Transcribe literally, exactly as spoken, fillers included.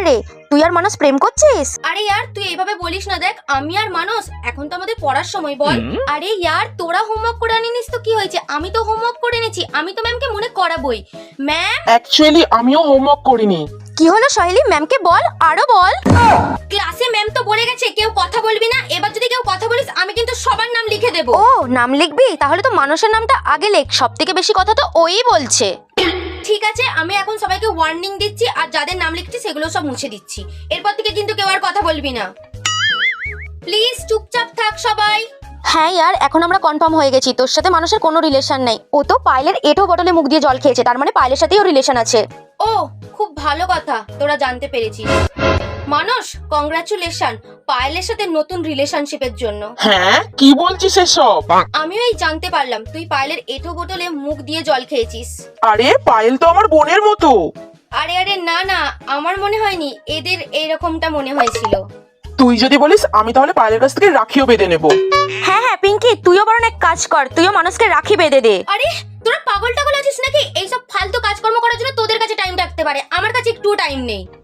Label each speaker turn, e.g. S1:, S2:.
S1: রে, তুই আর মানস প্রেম করছিস?
S2: আরে ইয়ার তুই এইভাবে বলিস না, দেখ আমি আর মানস এখন তো আমাদের পড়ার সময়, বল। আরে ইয়ার তোরা হোমওয়ার্ক করে আনিনিস তো কি হয়েছে, আমি তো হোমওয়ার্ক করে এনেছি, আমি তো ম্যামকে মনে করাবই। ম্যাম
S3: অ্যাকচুয়ালি আমিও হোমওয়ার্ক করিনি।
S1: কি হলো সহেলি, ম্যামকে বল, আরো বল।
S2: ক্লাসে ম্যাম তো বলে গেছে কেউ কথা বলবি না, এবার যদি কেউ কথা বলিস আমি কিন্তু সবার নাম লিখে দেবো।
S1: ও নাম লিখবি? তাহলে তো মানসের নামটা আগে লেখ, সব থেকে বেশি কথা তো ওই বলছে।
S2: ঠিক আছে, আমি এখন সবাইকে ওয়ার্নিং দিচ্ছি আর যাদের নাম লিখছি সেগুলো সব মুছে দিচ্ছি। এরপর থেকে কিন্তু কেউ আর কথা বলবি না, প্লিজ চুপচাপ থাক সবাই।
S1: হ্যাঁ ইয়ার, এখন আমরা কনফার্ম হয়ে গেছি তোর সাথে মানুষের কোনো রিলেশন নেই। ও তো পায়েলের এঁটো বটলে মুখ দিয়ে জল খেয়েছে, তার মানে পায়েলের সাথেই ওর রিলেশন আছে।
S2: ও খুব ভালো কথা, তোরা জানতে পেরেছিস। মানস কংগ্রাচুলেশন পায়েলের সাথে নতুন রিলেশনশিপের জন্য।
S3: হ্যাঁ কি বলছিস এসব?
S2: আমিও এই জানতে পারলাম তুই পায়েলের এঁটো বোতলে মুখ দিয়ে জল খেয়েছিস।
S3: আরে পায়েল তো আমার বোনের মতো।
S2: আরে আরে না না, আমার মনে হয়নি, এদের এইরকমটা মনে হয়েছিল।
S3: তুই যদি বলিস আমি তাহলে পায়েলের কাছ থেকে রাখিও বেঁধে নেবো।
S1: হ্যাঁ হ্যাঁ পিঙ্কি, তুইও বরং এক কাজ কর, তুইও মানুষকে রাখি বেঁধে দে।
S2: আরে তোরা পাগল টাগল আছিস নাকি? এইসব ফালতু কাজকর্ম করার জন্য তোদের কাছে টাইম রাখতে পারে, আমার কাছে একটু টাইম নেই।